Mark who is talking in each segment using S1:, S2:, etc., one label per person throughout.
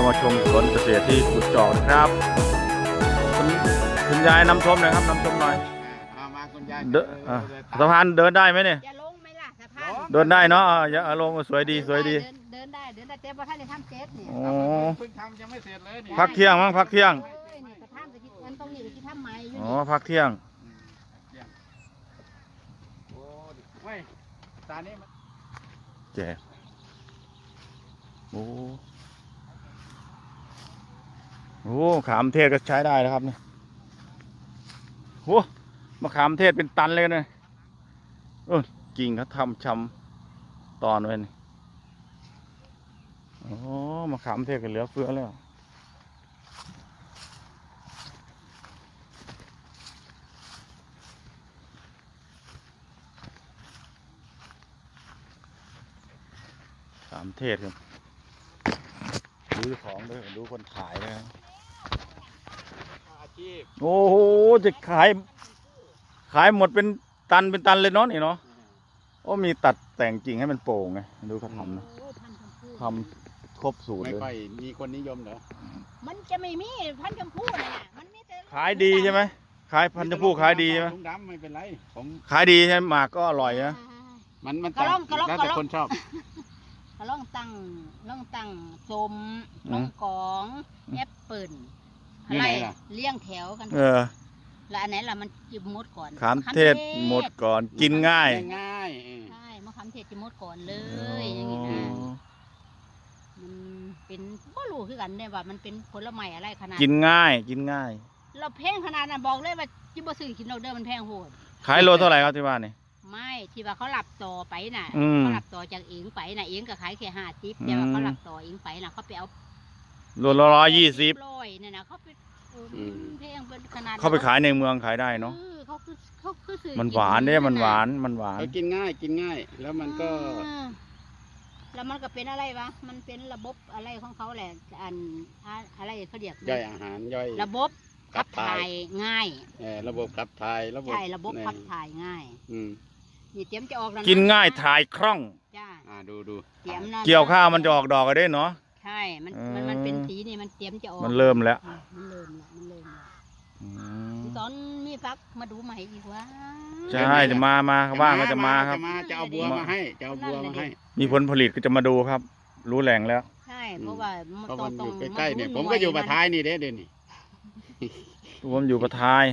S1: เรามาชมสวนเกษตรที่กุดจอกนะครับคุณยายนำชมหน่อยครับนำชมหน่อย
S2: มาคุณยาย
S1: สะพานเดินได้ไหมเนี่ย
S3: จะลงไหมล่ะสะพาน
S1: เดินได้เนาะอย่าลงสวยดีสวยดี
S3: เดินได้เจ๊เพราะท่านได้ทำเจ๊เนี่ย
S1: โอ้
S2: เพิ่งทำยังไม่เสร็จเลยนี่
S1: พักเที่ยงมั้งพักเที่ยง
S3: สะพานจะคิดงั้นตรงนี้จะคิดทำไมอยู่
S1: อ๋อพักเที่ยง
S2: โอ้ไม่ตานี้
S1: แจ๋โอ้โหขามเทศก็ใช้ได้นะครับเนี่ยโอ้มะขามเทศเป็นตันเลยนะกิ่งเขาทำชำตอนไว้นี่โอ้มะขามเทศก็เหลือเฟือแล้วขามเทศครับดูของด้วยดูคนขายเลยโอ้โหจะขายหมดเป็นตันเลยเนาะนี่เนาะโอ้มีตัดแต่งกิ่งให้มันโป่งไงดูเขาทำนะทำครบสูตรเลย
S2: ไม่ค่อยมีคนนิยมเหรอ
S3: มันจะไม่มีพันธุ์ชมพู่นะมันมีแต่
S1: ขายดีใช่ไหมขายพันธุ์ชมพู่ขายดีใช่ไหม
S2: ถุงดำไม่เป็นไรผม
S1: ขายดีใช่ไหมหมากก็อร่อยนะ
S2: มันแล้วแต่คนชอบ
S3: ล่องตั้งส้มล่องกองแอปเปิลอะไรเลี้ยงแถวกันแล้วอันไหนล่ะมันจิบมดก่อน
S1: ขามเทศหมดก่อนกินง่าย
S3: ใช่มะขามเทศจิบมดก่อนเลยอย่างนี้นะมันเป็นบ่รู้คือกันเนี่ยว่ามันเป็นผลไม้อะไรขนาด
S1: กินง่าย
S3: เราแพงขนาดนั้นบอกเลยว่าจิบบ่ซื้อกินเราเด้อมันแพงโหด
S1: ขายโลเท่าไหร่ครับที่บ้านนี่
S3: ไม่ที่ว่าเขาหลับต่อไปน่ะเขาหลับต่อจากเองไปน่ะเองก็ขายแค่50แต่ว่าเขาหลับต่อเองไปน่ะเขาไปเอา
S1: โลละ120
S3: เนี่ยนะเขาไปแพงเป็นขนาด
S1: เขาไปขายในเมืองขายได้เนาะ
S3: เขาคือซื้อ
S1: มันหวานเนี่ยมันหวาน
S2: เขากินง่ายแล้วมันก็
S3: เป็นอะไรวะมันเป็นระบบอะไรของเขาแหละอะไรเขาเรียก
S2: ย่อยอาหารย่อย
S3: ระบบขับถ่ายง่าย
S2: ระบบขับถ่าย
S3: ใช่ระบบขับถ่ายง่ายนี่เตรียมจะออกแล้ว
S1: กินง่ายถ่ายคล่อง
S3: จ้า
S2: ดู
S1: เกี่ยวข้าวมันจะออกดอกกันได้เนาะ
S3: ใช่มันเป็นสีนี่มันเตรียมจะออก
S1: มันเริ่มแล้ว
S3: ตอนมีฟักมาดูใหม่อีกว่า
S1: ใช่จะมาว่างก็จะมาครับ
S2: จะเอาบัวมาให้
S1: มีผลผลิตก็จะมาดูครับรู้แหล่งแล้ว
S3: ใช่เพราะว่า
S2: มันอยู่ใกล้ๆเนี่ยผมก็อยู่ปะท้ายนี่เด่นนี่
S1: ผมอยู่ปะท้าย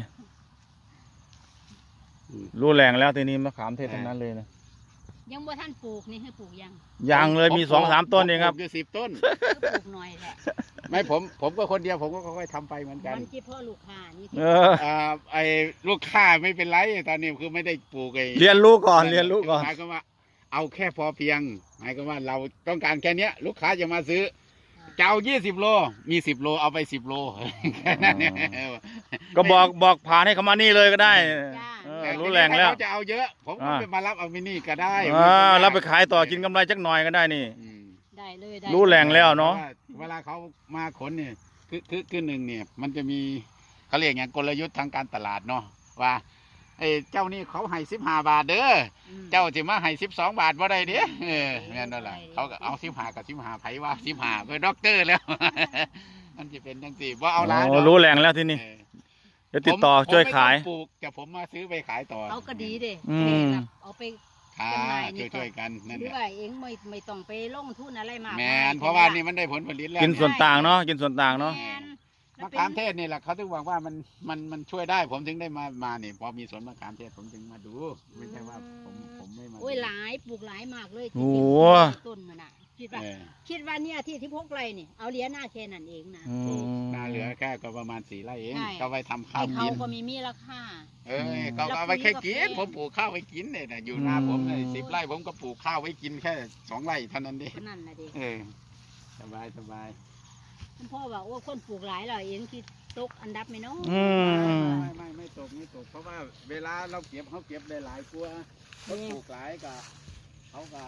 S1: รู้แหล่งแล้วทีนี้มะขามเทศทั้งนั้นเลยนะ
S3: ยังบ่ท่านปลูกนี่ให้ปลูก
S1: ยังเลยมี2-3 ต้นเองครับ
S2: อยู่10 ต้น
S3: ปลูกหน่อยแหละ
S2: ไม่ผมก็คนเดียวผมก็ค่อยๆทำไปเหมือนกัน
S3: มันที่พ่อลูกค้านี่
S2: ไอ้ลูกค้าไม่เป็นไรตอนนี้คือไม่ได้ปลูกไอ้
S1: เรียนรู้ก่อน
S2: หมายความว่าเอาแค่พอเพียงหมายความว่าเราต้องการแค่นี้ลูกค้าจะมาซื้อจะเอา20 โลมี10 โลเอาไป10 โลแค่นั้นเนี่ย
S1: ก็บอกผ่านให้เขามานี่เลยก็ได้รู้แหล่งแล้ว
S2: เขาจะเอาเยอะผมก็ไปมารับเอามินี่ก็ได้
S1: รับไปขายต่อกินกำไรจักหน่อยก็ได้นี่
S3: ได้เลย
S1: รู้แหล่งแล้วเนาะ
S2: เวลาเขามาขนเนี่ยคือหนึ่งเนี่ยมันจะมีเขาเรียกอย่างกลยุทธ์ทางการตลาดเนาะว่าไอ้เจ้านี่เขาให้15 บาทเด้อเจ้าจะมาให้12 บาทว่าได้เด้แม่นั่นแหละเขาก็เอา15กับ15ไผว่า15เป็นด็อกเตอร์แล้วมันจะเป็นจังซี่ว่าเอาล้าน
S1: รู้แหล่งแล้วที่นี่เดี๋ยวติดต่อช่วยขาย
S2: ปลูกจะผมมาซื้อไปขายต่อ
S3: เอาก็ดีเด้เอาไป
S2: ช่วยกันนั่นแหละ
S3: เองไม่ต้องไปลงทุนอะไรมาก
S2: แม่นเพราะว่านี่มันได้ผลผลิตแล้ว
S1: กินส่วนต่างเนาะกินส่วนต่างเนาะ
S2: มะขามเทศนี่แหละเขาถึงบอกว่ามันช่วยได้ผมถึงได้มาเนี่ยพอมีสวนมะขามเทศผมถึงมาดูไม่ใช่ว่าผมไม่มา
S3: โอ้ยหลายปลูกหลายมากเลย
S1: โอ้
S3: ต้นมันอ่ะคิดว่าเนี่ยที่16 ไร่นี่เอาเหลือหน้าแค่นั้นเองนะ
S2: นาเหลือแค่ก็ประมาณ4 ไร่เองก็ไปทำข้าว
S3: กินเขาก็มีราคา
S2: ก็เอาไปแค่กินผมปลูกข้าวไว้กินเนี่ยนะอยู่นาผมเลย10 ไร่ผมก็ปลูกข้าวไว้กินแค่2 ไร่เท่านั้นเอง
S3: นั่นนะดิ
S2: สบาย
S3: พ่อว่าโอ้คนปลูกหลายเราเองคิดตกอันดับไหมเนาะ
S2: ไม่ตกเพราะว่าเวลาเราเขาเก็บได้หลายกว่าเขาปลูกหลายกับเขาก็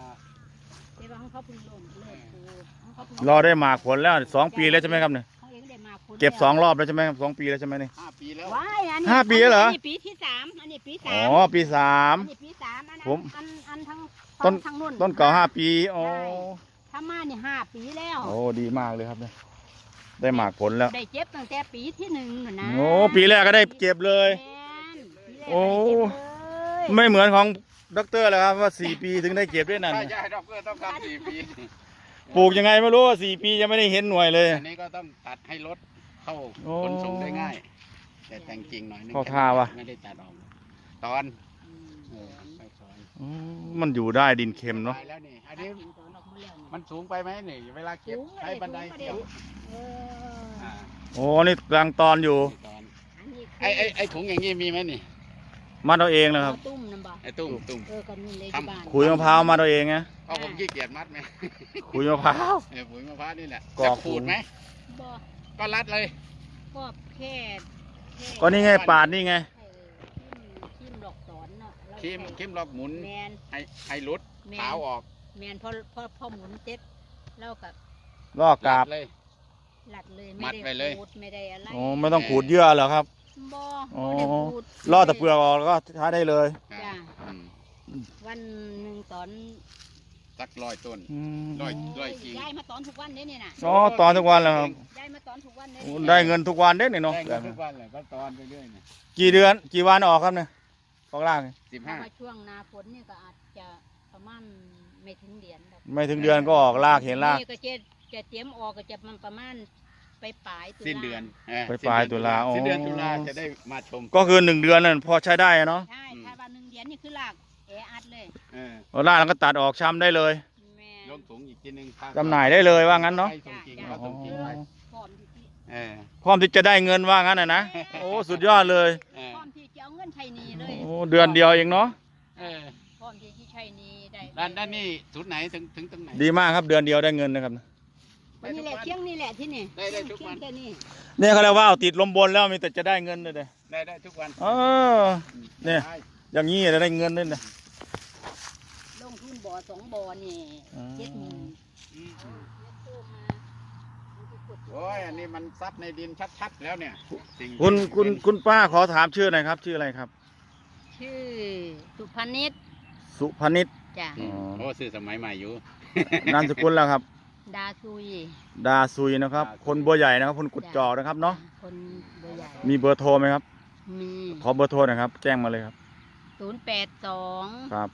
S1: รอได้หมากผลแล้ว2 ปีแล้วใช่ไหมครับเนี่ยเก็บ2 รอบแล้วใช่ไหมครับ2 ปีแล้วใช่ไหมเนี่ย
S2: 5 ปีแล้ว
S1: 5 ปีแล้วเหรอ
S3: ปีที่3อันนี้ปี3
S1: อ๋อปี3ผม
S3: อันทั้ง
S1: ต้นเก่า5 ปีอ๋อ
S3: ถ้ามาเนี่ย5 ปีแล้ว
S1: โอ้ดีมากเลยครับเนี่ยได้หมากผลแล้ว
S3: ได้เจ็บตั้งแต่ปีที่1น่ะนะ
S1: โอ้ปีแรกก็ได้เก็บเลย
S3: แม่นปีแรก
S1: โอ้
S3: ก็ได้เก็บเลย
S1: ไม่เหมือนของด็อกเตอร์เลยครับว่า4 ปีถึงได้เก็บด้วยนั่น
S2: ใช่ใช่ดอกเกอร์ต้องการ4 ปี
S1: ปลูกยังไงไม่รู้ว่า4 ปียังไม่ได้เห็นหน่วยเลย
S2: อันนี้ก็ต้องตัดให้รถเข้า
S1: โอ้
S2: ขนส่งได้ง่าย แต่แต่งกิ่งหน่อยนึง
S1: เข้าท่าวะ
S2: ไม่ได้ตัดออกตอน
S3: อืม
S2: ไปซอย
S1: อืมมันอยู่ได้ดินเค็มเนาะ
S2: ไปแล้วนี่อันนี้
S3: ตัดกิ่งตอนออกมาแล้วนี่
S2: มันสูงไปไหมนี่เวลาเก็บ
S3: สูง
S2: ใช้บันได
S3: สูง
S2: เกี่ยว
S3: เออ
S2: อ่า
S1: โอ้นี่กลางตอนอยู่
S2: ตอน
S3: อันนี้คือ
S2: ไอ้ถุงอย่างนี้มีไหมนี่
S1: มัดเอาเองนะครับ
S3: เอาตุ้มนำบ่
S2: ไอ้ตุ้ม
S3: เออกันนี่เลยที่บ้าน
S1: ขุยมะพร้าวมัดเอาเองไง
S2: เพราะผมขี้เกียจมัดไหม
S1: ขุยมะพร้าว
S2: ปุ๋ยมะพร้าวนี่แหละ
S1: กรอก
S2: จะขูดไหม
S3: บ่
S2: ก็รัดเลย
S3: ก็แค่
S1: ก็นี่ไงปาดนี่ไง
S3: ทิมดอกสอนเนาะแล้ว
S2: คิมลอกหมุน
S3: แมน
S2: ให้รุด
S3: แม
S2: ขาวน ออก
S3: แมนพอหมุนเจ็ดแล้วกับ
S1: ลอกกาบ
S2: รัดเลย
S3: หลัดเลย
S2: มัดไปเลย
S3: ขูดไม่ได้อะไร
S1: โอ้ไม่ต้องขูดเยื่อเหรอครับ
S3: บ่
S1: อ๋อ
S3: บ่ได้ขูด
S1: ลอกแต่เปลือกออกแล้วก็ใช้ได้เลย
S3: จ้ะ
S2: อืม
S3: วันหนึ่งตอน
S2: สัก100 ต้น
S1: อืม
S2: ร้อยกิ่ง
S3: ย้ายมาตอนทุกวันเด้นี่น่ะ
S1: อ๋อตอนทุกวันแล้วครับ
S3: ย้ายมาตอนทุกวันเด้
S1: โอ้
S3: นี่
S1: ได้เงินทุกวันเด้เนี่ยเนาะ
S2: ได้เงินทุกวันเลยก็ตอนไปเรื่อยเนี่ย
S1: กี่เดือนกี่วันออกครับเนี่ยของล่างเนี่ย
S3: ถ้ามา
S2: 15
S3: ช่วงหนาฝนนี่ก็อาจจะประมาณไม่ถึงเดือนดอก
S1: ไม่ถึงเดือนก็ออกลากเห็นลาก
S3: นี่ก็จะเตรียมออกก็จะมันประมาณไปปลายตุลา
S2: สิ้นเดือน
S1: ไปปลายตุลาอ๋อ
S2: สิ้นเดือนตุลาจะได้มาชม
S1: ก็คือ1 เดือนนั่นพอใช้ได้อะเนาะ
S3: ใช่ถ้าวันหนึ่งเดือนนี่คือลากแออัดเลย
S2: เออ
S1: เอาลากแล้วก็ตัดออกช้ำได้เลย
S3: แม่
S2: ลงถุงอีกทีนึง
S1: จำหน่ายได้เลยว่างั้นเนาะ
S2: ให้ส่งจริงก็ส่งจริงไป
S3: พร้อมที่
S2: เออ
S1: พร้อมที่จะได้เงินว่างั้นนะโอ้สุดยอดเลย
S2: เออ
S3: พร้อมที่จะเอาเงินใช้หนี้เลย
S1: โอ้เดือนเดียวเองเนาะ
S2: เออ
S3: พร้อมที่จะใช้หนี้ได้
S2: ด้านนี่จุดไหนถึงตรงไหน
S1: ดีมากครับเดือนเดียวได้เงินนะครับ
S3: วันนี้แหละเที่ยงนี่แหละที่นี่
S2: ได้ทุกวัน
S3: เที่ยงแต่นี่
S1: เนี่ยเขาเรียกว่าเอาติดลมบนแล้วมีแต่จะได้เงินเลยเด้
S2: ได้ทุกวัน
S1: เออ เนี่ย อย่างนี้จะได้เงินด้วยนะ
S3: ลงทุนบ่อ2 บ่อนี่
S1: อืม
S3: 70,000
S2: อืม
S3: กู้มามันสิกด
S2: โอ้ยอันนี้มันซับในดินชัดๆแล้วเนี่ยสิ่ง
S1: คุณป้าขอถามชื่อหน่อยครับ ชื่ออะไรครับ
S3: ชื่อสุพนิช
S1: สุพนิช
S3: จ้ะ
S2: อืมโอ้ซื้อสมัยใหม่อยู่
S1: นามสกุลแล้วครับ
S3: ดาซุย
S1: ดาซุยนะครับ คนบัวใหญ่นะครับ คนกุดจอกนะครับเนาะ
S3: คนเบอร์ใหญ่
S1: มีเบอร์โทรไหมครับ
S3: มี
S1: ขอเบอร์โทรหน่อยครับ แจ้งมาเลยครับ
S3: 082
S1: ครับ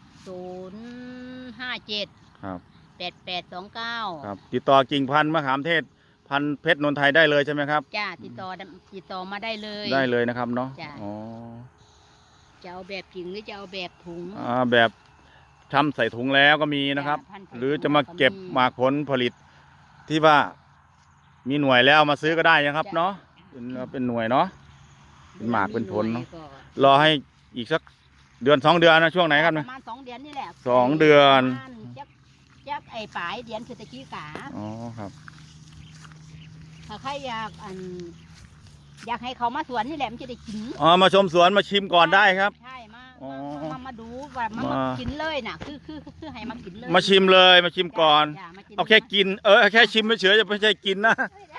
S3: 057
S1: ครับ
S3: 8829
S1: ครับ ติดต่อกิ่งพันธุ์มะขามเทศ พันธุ์เพชรนนทไทยได้เลยใช่ไหมครับ
S3: จ้าติดต่อมาได้เลย
S1: ได้เลยนะครับเนาะ
S3: จ้ะ
S1: อ๋อ
S3: จะเอาแบบกิ่งหรือจะเอาแบบถุง
S1: แบบทำใส่ถุงแล้วก็มีนะครับ
S3: จ้ะพันธุ์ใส่
S1: หรือจะมาเก็บ
S3: ถุง
S1: หมากผลผลิต ที่ว่ามีหน่วยแล้วเอามาซื้อก็ได้นะครับ
S3: จ้ะ
S1: เนาะเป็นหน่วยเนาะ เป็นหมากเป็นผลเนอะ
S3: ก็
S1: รอให้อีกสักเดือน 2 เดือนนะช่วงไหนครับ
S3: ป
S1: นะ
S3: ระมาณ2 เดือนนี่แหละ
S1: 2 เดือน
S3: ประมาณจักไอ้ปลายเดือนคือตะกี้กา
S1: อ๋อครับ
S3: ถ้าใครอยากให้เขามาสวนนี่แหละมันจะได้กิน
S1: อ๋อมาชมสวนมาชิมก่อนได้ครับ
S3: ใช่มา
S1: อ๋อ
S3: มาดูว่ามา
S1: มา
S3: กินเลยน่ะคือให้มากินเลย
S1: มาชิมเลยมาชิมก่อน
S3: จ้ะมากิน
S1: เอาแค่กินแค่ชิมเฉยๆจะไม่ใช่กินนะ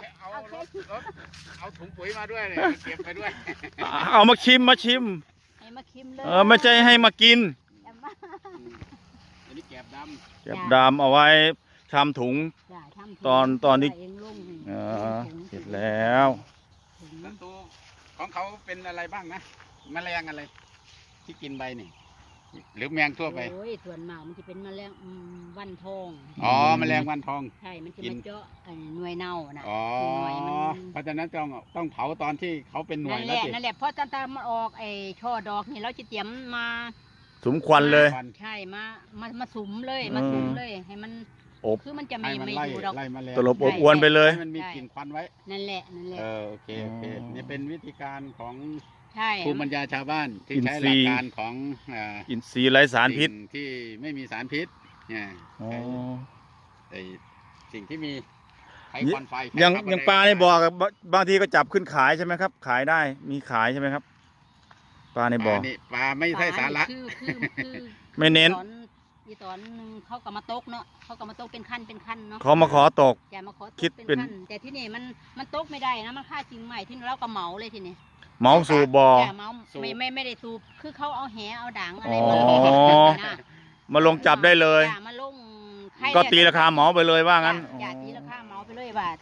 S2: เอาถุงปุ๋ยมาด้วยเลยเก็บไปด้วย
S1: เอามาชิมมาชิม
S3: ให้มาชิมเลย
S1: ไม่ใช่ให้มากิน
S3: จ้ะมา
S2: อันนี้แกบด
S1: เก็บดามเอาไว้ชำถุง
S3: จ้ะทำถุง
S1: ตอนนี้
S3: เองลง
S1: เสร็จแล้ว
S3: ถุง
S2: ำศัตรูของเขาเป็นอะไรบ้างนะแมลงอะไร ที่กินใบนี่ หรือแมงทั่วไป
S3: โอ้ยส่วนมากมันจะเป็นแมลงวันทอง
S2: อ๋อแมลงวันทอง
S3: ใช่มันจะ
S2: กิน
S3: มาเจาะหน่วยเน่านะ
S2: อ๋อ
S3: หน่วยมัน
S2: เพราะฉะนั้นต้องเผาตอนที่เขาเป็นหน่วย
S3: นั่น
S2: แล้ว
S3: แหละ
S2: สิ
S3: นั่นแหละเพราะตอนมันออกไอ้ช่อดอกนี่เราจะเตรียมมา
S1: สมควันเลย
S3: ใช่มาสุมเลยมาสุมเลย ให้มัน
S1: อบ
S3: คือมันจะ
S2: ให้
S3: ไม่
S2: มัน
S3: ไม่
S2: ไล่
S3: อยู่ดอก
S2: ไล่แมลง
S1: ตลบอบอวนไปเลย
S2: ให้มันมีกลิ่นควันไว้
S3: นั่นแหละนั่นแหละ
S2: โอเคโอเค
S1: อ๋อ
S2: นี่เป็นวิธีการของ
S3: ใช่
S2: ภูมิปัญญาชาวบ้านที่
S1: อิน
S2: ใช้
S1: ทรี
S2: หลัก
S1: ย์
S2: การของา
S1: อินทรีย์ไร้สารพิษ
S2: สิ่งที่ไม่มีสารพิษเนี่ย
S1: อ๋อ
S2: ไอ้สิ่งที่มีไขควันไฟ
S1: อย่าง
S2: ไขคร์บอน
S1: อย่าง
S2: ได
S1: ปลาในบ่อกับบางทีก็จับขึ้นขายใช่ไหมครับ ขายได้มีขายใช่ไหมครับ ปลาในบ่อ
S2: ปลาไม่ใช่สาระ
S3: คือ
S1: ไม่เน้น
S3: ตอนนึงเขาก็มาตกเนาะเขาก็มาตกเป็นขั้นเนาะ
S1: เขามาขอตก
S3: อย่ามาขอตก
S1: คิดเป็น
S3: ขั้แต่ที่นี่มันตกไม่ได้นะมันค่าจริงใหม่ที่เราก็เหมาเลยทีนี้
S1: เมาสู่บ่อ
S3: อย่าเมาไม่ได้สูบคือเขาเอาแหเอาด่างอะไร
S1: อ๋อ
S3: มานะ
S1: มาลงจับได้เลย
S3: อย่ามาลงใคร
S1: ก็ตีราคาเหมาไปเลยว่างั้น
S3: อย่าตีราคาเหมาไปเลยว่าท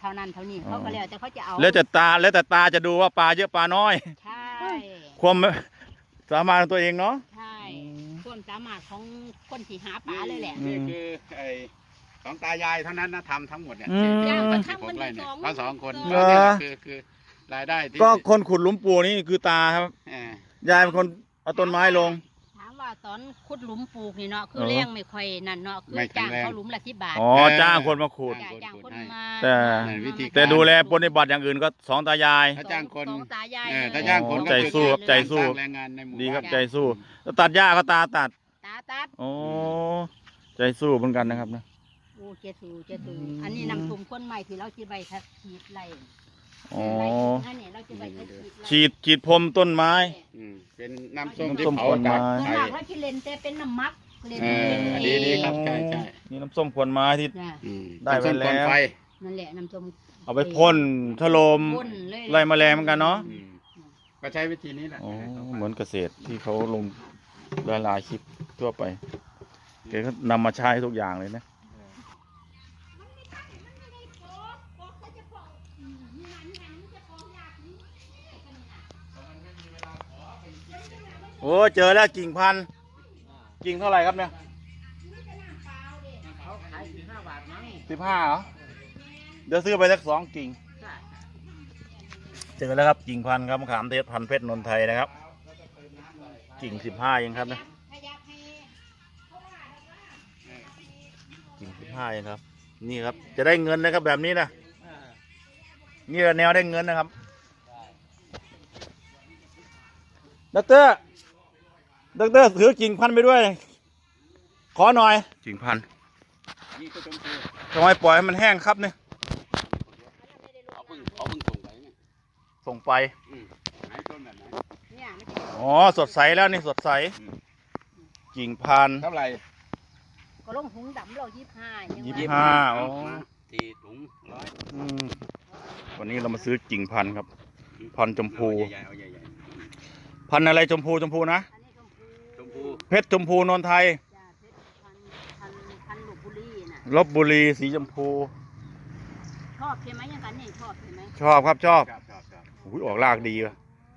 S3: านั้นเท่านี้เขาก็แล้วแต่เขาจะเอา
S1: แล้วแต่ตาจะดูว่าปลาเยอะปลาน้อย
S3: ใช่
S1: ความสามารถของตัวเองเนาะ
S3: ใช่ส่วนสามารถของคนที่หาปลาเลยแหละ
S2: นี่คือไอ้สองตายายเท่านั้นนะทำทั้งหมดเนี่ย
S1: อืม
S3: ย่าง
S2: ที่
S3: ก็
S2: ที่
S3: ทำ
S2: ผ
S3: มั
S2: ม
S3: น
S2: ไล่เนี่ย
S3: สอง
S2: เขาสองคน
S1: เหรอ
S2: นี่แหละคือรายได้ที่
S1: ก็คนขุดหลุมปูนี่คือตาครับ
S2: เออย
S1: ายเป็นคนเอาต้นไม้ลง
S3: ถามว่าตอนขุดหลุมปลูกนี่เนาะคือ
S1: เออ
S3: เลี้ยงไม่ค่อยนั่นเนาะคือจ้างเขาหลุมละ10 บาท
S1: อ๋อจ้างคนมาขุด
S3: จ้างคนมา
S1: แต่
S2: วิธี
S1: แต่ดูแลปฏิบัติอย่างอื่นก็สองตายาย
S2: ถ้าจ้างคน
S3: สองตายาย
S2: ถ้าจ้างคน
S1: อ๋อ
S2: ก็
S1: ใจ
S2: คือ
S1: สู้ครับใจสู้
S2: สร้างแรงงานในหมู่
S1: ดีครับ
S2: าน
S1: ใจสู้แล้วตัดหญ้าก็ตาตัด
S3: ตาตัด
S1: โอ้ใจสู้เหมือนกันนะครับนะ
S3: โอ้เจสูอันนี้นำกลุ่มคนใหม่ที่เราจะไปทักฉีดไร
S1: อ๋อ
S3: อันนี้เราจะไปทักฉีดไร
S1: ฉีดพรมต้นไม้
S2: เป็นน้ำส้ม
S1: น้ำ
S2: ที่
S1: ส้ม
S2: เผา
S1: ผลไม้
S2: จาก
S3: ส่วน
S2: ไข่
S3: มากเราจะเล่นแต่เป็นน้ำมักเล่น
S2: เออ
S3: เป็น
S2: ดีครับใช่
S1: นี่น้ำส้มขวดไม้ที่
S3: จ้ะ
S1: ได้ไปแล้ว
S2: น้ำส้มก่อนไฟ
S3: นั่นแหละน้ำส้ม
S1: เอาไปพ่นถล่ม
S3: พ่นเลย
S1: ไล่แมลงเหมือนกันเนาะ
S2: ก็ใช้วิธีนี้แหละ
S1: โอ้เหมือนเกษตรที่เขาลงหลายๆคลิปทั่วไปแกก็นำมาใช้ทุกอย่างเลยนะโอ้เจอแล้วกิ่งพันธุ์กิ่งเท่าไหร่ครับเนี่ย
S2: เขาขาย15 บาทมั้ง
S1: 15เหรอเดี๋ยวซื้อไปสัก2 กิ่ง เจอแล้วครับกิ่งพันธุ์ครับมะขามเทศพันธุ์เพชรนนทไทยนะครับ กิ่ง15เองครับนะกิ่ง15เองครับ นี่ครับจะได้เงินนะครับแบบนี้นะนี่แนวได้เงินนะครับด็อกเตอร์ถือกิ่งพันธุ์ไปด้วย ขอหน่อยกิ่งพันธุ์
S2: นี่ก็ชมพู
S1: ทำไมปล่อยให้มันแห้งครับเนี่ย
S2: เขาเพิ่งส่งไปเนี่ย
S1: ส่งไป
S2: ไหนต้นแบบไหน
S3: เนี่ยไม่ใช่
S1: อ๋อสดใสแล้วนี่สดใสกิ่งพันธุ์
S2: เท่าไหร่
S3: ก็ลงถุงดำเรา25ยัง
S1: 25 อ๋อ
S2: 4 ถุง 100
S1: อืมวันนี้เรามาซื้อกิ่งพันธุ์ครับ พันธุ์ชมพู
S2: เอาใหญ่ๆเอาใหญ่
S1: พันธุ์อะไรชมพูนะ
S3: อันนี้ชมพู
S2: ๆชมพู
S1: เพชรชมพูนนทไทย
S3: จ้าเพชรพันลพบุรีน่ะ
S1: ลบบุรีสีชมพู
S3: ชอบใช่ไหมยังกันนี่ชอบใช่ไหม
S1: ชอบครับชอบ
S2: ครับ
S1: อุ้ยออกรากดีว่ะ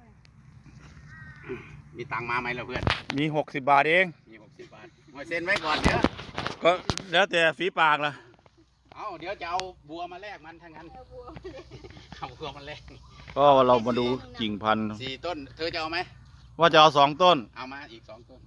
S2: มีตังค์มาไหมล่ะเพื่อน
S1: มี60 บาทเอง
S2: มี60 บาทมาเซ็นไว้ก่อนเดี๋ยว
S1: ก็แล้วแต่ฝีปากล่ะ
S2: เอาเดี๋ยวจะเอาบัวมาแลกมันทั้งนั้นเอาบัวมาแลก
S1: ก็เรามาดูกิ่งพันธุ์
S2: 4 ต้น เธอจะเอาไหม
S1: ว่าจะเอา2 ต้น
S2: เอามาอีก 2 ต้น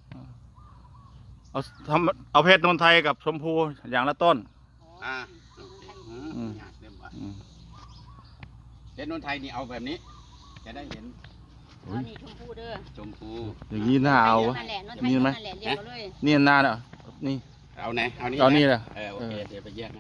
S1: เอาเพชรนนทไทยกับชมพูอย่างละต้น
S2: อ่า
S1: อืม
S2: เริ่มว่า
S1: อืม
S2: เด็นนนไทยนี่เอาแบบนี้ จะได้เห็น
S3: เอานี่ชมพูเด้อ
S2: ชมพู
S1: อย่างนี้น่าเอาวะ
S3: นั่นแหละนน
S1: มีไหม
S3: นั่นแหละเรียกเอาเลย
S1: นี่น่าเนอะนี่
S2: เอาไหน เอานี่
S1: เอานี่แหละ
S2: โอเค เดี๋ยวไปแยก